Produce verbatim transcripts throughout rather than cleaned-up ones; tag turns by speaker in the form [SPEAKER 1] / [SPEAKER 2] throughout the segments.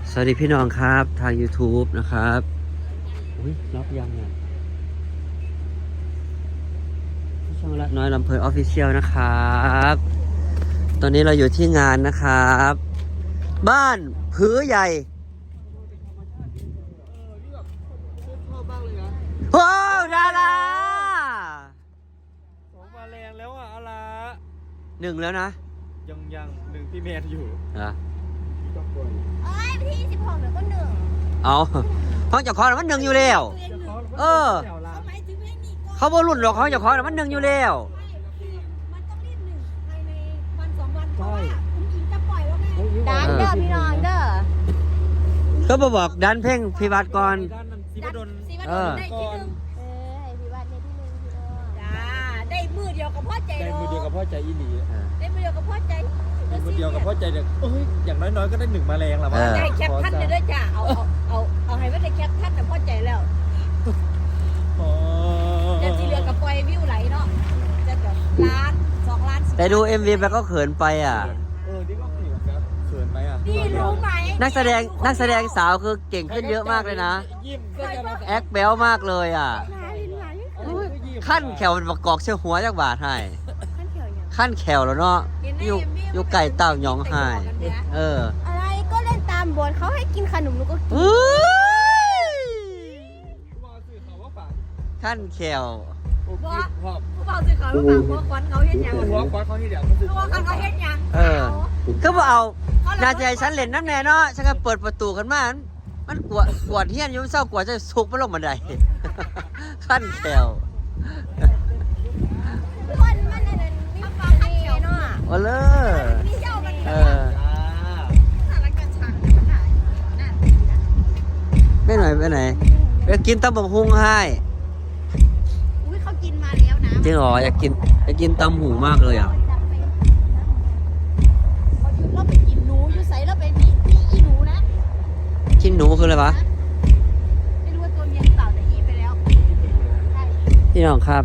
[SPEAKER 1] สวัสดีพี่น้องครับทาง YouTube นะครับอุ้ยล็อกยังเนี่ยช่องละน้อยลำเพลินออฟฟิเชียลนะครับตอนนี้เราอยู่ที่งานนะครับบ้านผือใหญ่โอ้ดารา
[SPEAKER 2] สองมาแรงแล้วอ่ะอะไร
[SPEAKER 1] หนึ่งแล้วนะ
[SPEAKER 2] ยังยังหนึ่งพี่แมนอยู่
[SPEAKER 1] เหรอ
[SPEAKER 3] เอ้ยวันที่สิบหกเดี๋ยวก็หนึ่ง
[SPEAKER 1] เอาห้องเจ้าของน่ะมันหนึ่งอยู่แล้ว เออ
[SPEAKER 3] เขาหมายถึงให้มีก่อน
[SPEAKER 1] เขาบอรุ่นหรอกห้องเจ้าของน่ะมันหนึ่งอยู่แล้ว
[SPEAKER 3] มันต้องรีบหนึ่งภายในวันสองวันเพราะว่าคุณอิงจะปล่อยแล้วไง
[SPEAKER 1] ดันเด้อพี่น้องเด้อ เขาบอกบอกดันเพ่งพิวัตรก่อน
[SPEAKER 2] ด้านนั้นศิวดล
[SPEAKER 3] สีวัน
[SPEAKER 1] เออ
[SPEAKER 3] ได้ที่หนึ่งเออให้พี่วัดในที่หนึ่งพี่น้องจ้าได้มือเดียวกับพ่อใจ
[SPEAKER 2] ได้
[SPEAKER 3] เนาะ
[SPEAKER 2] มือเดียวกับพ่อใจอีหลี
[SPEAKER 3] ได้มือเดียวกับพ่อใจ
[SPEAKER 2] ได้มือเดียวกับพ่อใจเด็กเอ้ยอย่างน้อยๆก็ได้หนึ่งมาแรงละมั้ง
[SPEAKER 3] ได้แคปท่านเลยด้วยจ้าเอาเอาเอาเอาให้ว่าได้แคปท่านแต่พ่อใจแล้ว
[SPEAKER 2] อ๋อ
[SPEAKER 3] เดี๋ยวสีเหลือกับปล่อยวิวไหลเนาะจะแบบล้านสองล้าน
[SPEAKER 1] แต่ดู เอ็ม วี ไปก็เขินไปอ่ะ
[SPEAKER 2] เออนี่ก็เขินครับเขินไหมอ่ะ
[SPEAKER 3] นี่รู้ไหม
[SPEAKER 1] นักแสดงนักแสดงสาวคือเก่งขึ้นเยอะมากเลยนะ
[SPEAKER 2] ยิ้มก็จะมา
[SPEAKER 1] แอคแบลมากเลยอ่ะ
[SPEAKER 3] ไหลไหล
[SPEAKER 1] ขั้นแขวมันประกอบเชื่อหัวจากบาทให้
[SPEAKER 3] ขั้นเขียวอย่าง
[SPEAKER 1] ขั้นแขวแล้วเนาะอยู่อยู่ไก่เต่าหยองให้เออ
[SPEAKER 3] อะไรก็เล่นตามบทเขาให้กินขนมหนูก็กิน
[SPEAKER 1] อุ้ย
[SPEAKER 2] ว่าสื่อเขาว่าฝาก
[SPEAKER 1] ขั้นแขว
[SPEAKER 2] โอ้ยพอบ
[SPEAKER 3] ผู้เบาสิเขาผู้ฝากหัวควันเขาเห็นยัง
[SPEAKER 2] หัวควักเขาที่เดียวมันสื่อ
[SPEAKER 3] หัวควันเขาเห็นยัง
[SPEAKER 1] เออก็บอกเอานาใจฉันเล่นน้ำแน่เนาะฉันก็เปิดประตูขึ้นมามันกวดกวดเฮี้ยนอยุ่งเศร้ากวดจะสุกมันลงบันได ขั้นแขว
[SPEAKER 3] คนมันนั่นมีปลาขั้นเขียวเนาะ
[SPEAKER 1] โอ้เลย
[SPEAKER 3] มีเจ้ามัน
[SPEAKER 1] เออ
[SPEAKER 3] สารกัดฉากมันหายนั่น
[SPEAKER 1] ไม่หน่อยไปไหนไปกินตำบักหุ่งให้
[SPEAKER 3] อุ้ยเขากินมาแล้วนะ
[SPEAKER 1] จริงเหรออยากกินอยากกินตำหูมากเลยอ่ะ
[SPEAKER 3] เราไปกินหนูอยู่ใส่เราไปพี่พี่อีหนูนะ
[SPEAKER 1] กินหนูคืออะไรวะ
[SPEAKER 3] ไม่รู้ว่าตัวเมียหรือเปล่าแต่อีไปแล้วใช่
[SPEAKER 1] พี่น้องครับ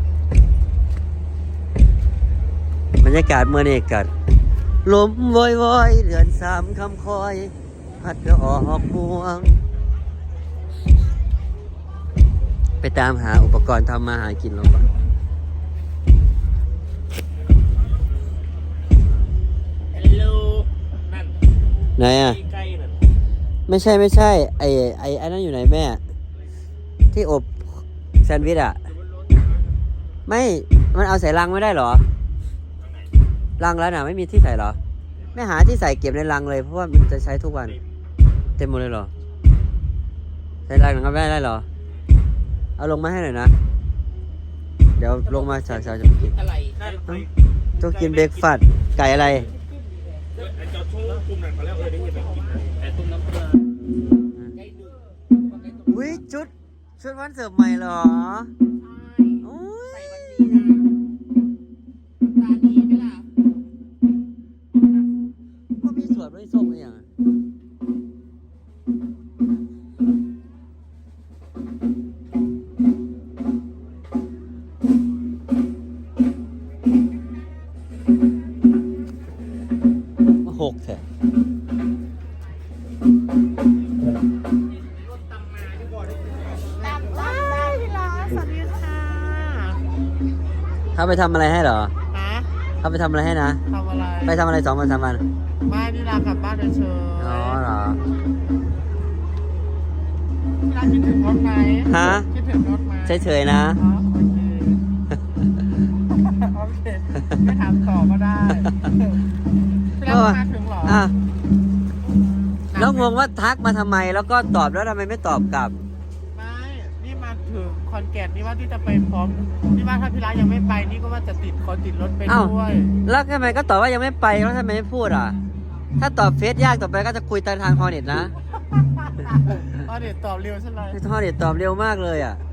[SPEAKER 1] บรรยากาศเมื่อนี้กัดลมวอยวอยเดือนสามคำคอย พัดออกพวง ไปตามหาอุปกรณ์ทำมาหากินลงก่อน
[SPEAKER 2] ฮัลโหลนั่น
[SPEAKER 1] ไหนอ่ะ
[SPEAKER 2] ใกล้นั่น
[SPEAKER 1] ไม่ใช่ไม่ใช่ ไอ้ไอ้ไอ้นั่นอยู่ไหนแม่ ที่อบแซนด์วิชอ่ะ ไม่ มันเอาใส่ลังไม่ได้เหรอลังแล้วน่ะไม่มีที่ใส่เหรอ ไม่หาที่ใส่เก็บในลังเลยเพราะว่ามันจะใช้ทุกวัน เต็มหมดเลยเหรอ ใส่ลังหนังก็ไม่ได้เหรอ เอาลงมาให้หน่อยนะ เดี๋ยวลงมาฉากๆจะไปกิน
[SPEAKER 2] อะไรนั่น
[SPEAKER 1] ต้องกินเบรกฟาสต์ไก่อะไร
[SPEAKER 2] ไอ้เจ้าชู้กลุ่มนั้นเขาแล้วเออได้ยินแบบกินแต่ตุ้มน้ำปลา
[SPEAKER 1] อุ้ยชุดชุดวันเสิร์ฟใหม่เหรออุ้ย
[SPEAKER 3] ตาดีไหมล่ะ
[SPEAKER 1] ว่ามีสวนด้วยส้มอะไรอย่างอะมาหกแถะ
[SPEAKER 3] ตามตามได้พี่ลาสวัสดีค่ะ
[SPEAKER 1] เขาไปทำอะไรให้เหรอ
[SPEAKER 4] ฮะ
[SPEAKER 1] เขาไปทำอะไรให้นะ
[SPEAKER 4] ทำอะไร
[SPEAKER 1] ไปทำอะไรสองวันสามวัน
[SPEAKER 4] ไม่นี่ลากลับบ้านเฉยๆ
[SPEAKER 1] อ๋อเหรอ
[SPEAKER 4] พี่ลาคิดถึงรถไหม
[SPEAKER 1] ฮะ
[SPEAKER 4] คิดถึงรถไหม
[SPEAKER 1] เฉยๆนะ
[SPEAKER 4] อ๋อโอเค โอเค ไม่ถามต่อก็ได้พี่ลามาถึงเหรอ
[SPEAKER 1] อ่ะแล้วงงว่าทักมาทำไมแล้วก็ตอบแล้วทำไมไม่ตอบกลับ
[SPEAKER 4] ไม่ นี่มาถึงคอนแกนนี่ว่าที่จะไปพร้อม นี่ว่าถ้าพี่ลายังไม่ไป นี่ก็ว่าจะติดขอติดรถไป
[SPEAKER 1] อ้าว
[SPEAKER 4] ด้วย
[SPEAKER 1] แล้วทำไมก็ตอบว่ายังไม่ไปแล้วทำไมไม่พูดอ่ะ ถ้าตอบเฟซยากต่อไปก็จะคุยทางฮอเน็ตนะ
[SPEAKER 4] อ๋อเดี๋ยวตอบเร็วใช่ไหม
[SPEAKER 1] ฮอเน็ตตอบเร็วมากเลยอ่ะ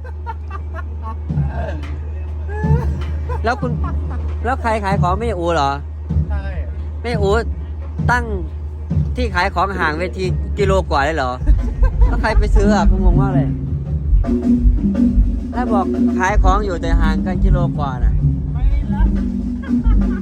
[SPEAKER 1] แล้วคุณแล้วใครขายของไม่อูเหรอ
[SPEAKER 4] ใช่
[SPEAKER 1] ไม่อูตั้งที่ขายของห่างเวทีกิโลกว่าเลยเหรอแล้วใครไปซื้ออ่ะผมงงมากเลยถ้าบอกขายของอยู่แต่ห่างกันกิโลกว่าน่ะ
[SPEAKER 4] ไม่ละ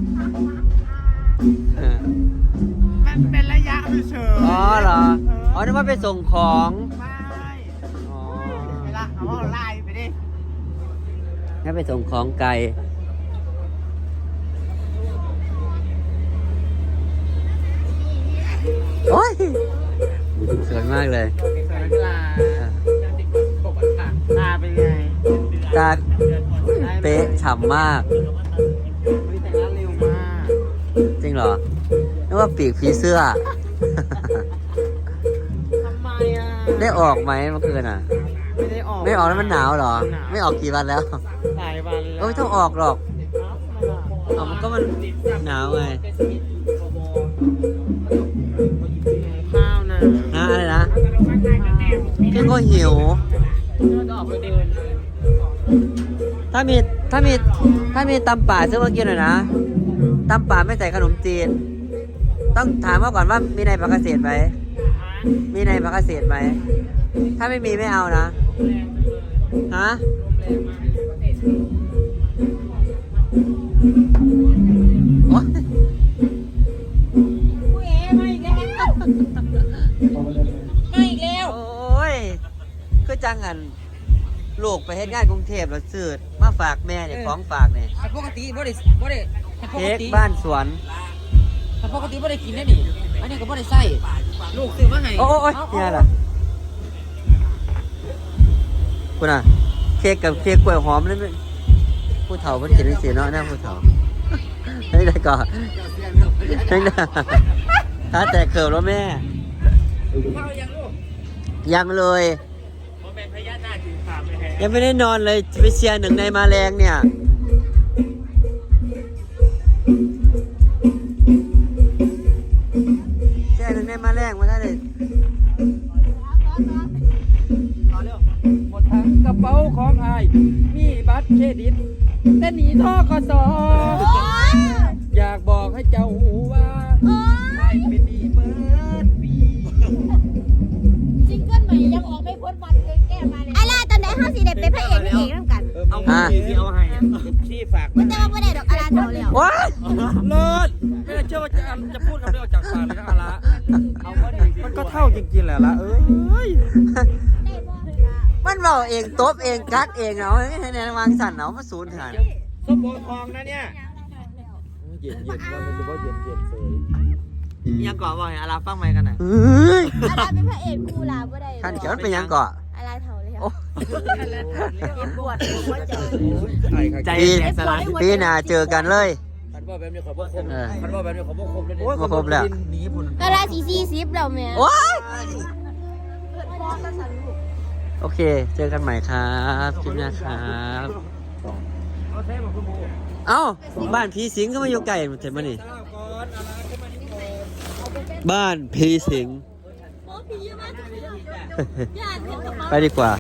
[SPEAKER 1] เออ
[SPEAKER 4] มันเป็นระยะเฉยๆ
[SPEAKER 1] อ๋อเหรอ อ๋อนึกว่าว่าไปส่งของ
[SPEAKER 4] ไม่
[SPEAKER 1] อ๋อ
[SPEAKER 4] เวลาเอาไล่ไปดิ
[SPEAKER 1] งั้นไปส่งของไกลโอ้ยสวยมากเลย
[SPEAKER 4] สวยลาลาเป็นไง
[SPEAKER 1] ตาเป๊ะฉ่ำมาก
[SPEAKER 4] วิแต่งหน้าเร็วมาก
[SPEAKER 1] จริงเหรอนึกว่าปีกผีเสื้อ
[SPEAKER 4] ทำไมอ่ะ
[SPEAKER 1] ได้ออกไหมเมื่อคืนอ่ะ
[SPEAKER 4] ไม่ได้ออก
[SPEAKER 1] ไม่ออกแล้วมันหนาวเหรอ ไม่ออกกี่วันแล้ว
[SPEAKER 4] หลายวันแล้ว
[SPEAKER 1] ก็ไม่ต้องออกหรอก
[SPEAKER 4] เอ้าทำไมล่ะ
[SPEAKER 1] เอามันก็มันหนาวไง
[SPEAKER 4] ข้าวนะ
[SPEAKER 1] นะอะไรนะพี่ก็หิว
[SPEAKER 4] ก็ออกไปเดิน
[SPEAKER 1] ถ้ามีถ้ามีถ้ามีตำป่าซื้อมากินหน่อยนะตำป่าไม่ใส่ขนมจีน ต้องถามเขาก่อนว่ามีในผักเกษตรไหมมีในผักเกษตรไหมถ้าไม่มีไม่เอานะฮะโอ๊ย
[SPEAKER 3] กูเอ๋มาอีกแล้วมาอีกแล้ว
[SPEAKER 1] โอ้ยคือจังอันลูกไปเฮ็ดงานกรุงเทพแล้วซื้อมาฝากแม่เนี่ยของฝากเนี่ย
[SPEAKER 5] แต่ปกติบ่ได้บ่ได้แต่ป
[SPEAKER 1] เค้
[SPEAKER 5] ก
[SPEAKER 1] ก
[SPEAKER 5] ติ
[SPEAKER 1] บ้านสวน
[SPEAKER 5] แต่ปกติบ่ได้กินได้นี่อันนี้ก็บ่ได้ใส่ลูกซื้อมาให้
[SPEAKER 1] โอ้โอ้ยเนี่ยล่ะคุณอ่ะเค้กกับเค้กกล้วยหอมนั่นเป็นผู้เฒ่าเพิ่นกินได้สิเนาะนะผู้เฒ่าเฮ้ยได้ก่อนเฮ้ยนะถ้าแต่เกิดแล้วแม่
[SPEAKER 5] ข้าวยังลูก
[SPEAKER 1] ยังเลย
[SPEAKER 2] ผมเป็นพญานาคถือขามไปแทน
[SPEAKER 1] ยังไม่ได้นอนเลยไปเชียร์หนึ่งในมาแรงเนี่ยเชียร์หนึ่งในมาแรงมาได้เลย
[SPEAKER 5] หมดทั้งกระเป๋าของอายมีบัตรเครดิตแต่หนีทกสอยากบอกให้เจ้าหูว่าอายเป็นดีเบิดปี
[SPEAKER 3] ซิงเกิลใหม่ยังออกไม่พ้นวันเกินแก้มาเลยไอ้ล่าตอนไหนห้าสีเด็ดเป็นพระเอกนี่เองน้ำกัน
[SPEAKER 5] เอา
[SPEAKER 1] อ่ะ
[SPEAKER 5] ที่เอาให้ที่ฝาก
[SPEAKER 3] มันจะมาไม่ได้ดอกอาราเท่าแล้ว
[SPEAKER 1] ว้าย
[SPEAKER 5] เลิศไม่น่าเชื่อว่าจะจะพูดคำนี้ออกจากปากเลยนะอาละเอามาดิมันก็เท่าจริงๆแหละละเอ้ย
[SPEAKER 3] ได้บ่
[SPEAKER 1] มันเบาเองตบเองกัดเองเอาให้ในวางสั่นเอามาศูนย์หาย
[SPEAKER 5] ส้มโอทองนะเนี่ยเย็นเย็นว่ามันจะว่าเย็นเย็นเสย
[SPEAKER 1] ยังก่อว่าอาราฟังไหมกันน่ะเฮ้ย
[SPEAKER 3] อาราเป็นพระเอกคู่ลาบ่ได้
[SPEAKER 1] ท่านเขียวมันเป็นยังก่อ
[SPEAKER 3] อาราเท่าเลย
[SPEAKER 1] โอ้
[SPEAKER 3] เก็บบวชหัวใจ
[SPEAKER 5] ใจ
[SPEAKER 1] ปี
[SPEAKER 5] แข็งสลาย
[SPEAKER 1] ปีหน้าเจอกันเลย
[SPEAKER 5] คันว่าแบบนี้ขอบ่คม
[SPEAKER 1] เออ
[SPEAKER 5] คันว่าแบบนี้ขอบ่คมเลย
[SPEAKER 1] โอ้ยบ่คมแล้ว
[SPEAKER 5] หนีพุ่น
[SPEAKER 3] อาราสี่สี่สิบแล้วแม่
[SPEAKER 1] โอ้ย
[SPEAKER 3] เกิดพ่อก็สั่นลูก
[SPEAKER 1] โอเค เจอกันใหม่ครับคลิปหน้าครับ
[SPEAKER 5] เอาแท้มาคุณโม
[SPEAKER 1] เอ้าบ้านผีสิงก็มาอยู่ไกลเสร็จมานี่
[SPEAKER 5] เจ้าก่อนอะไรขึ้นมานี่ก่อน
[SPEAKER 1] บ้านผีสิง
[SPEAKER 3] โอ้พี่เยอะมากญาติเพื่อนกับ
[SPEAKER 1] ไปดีกว่า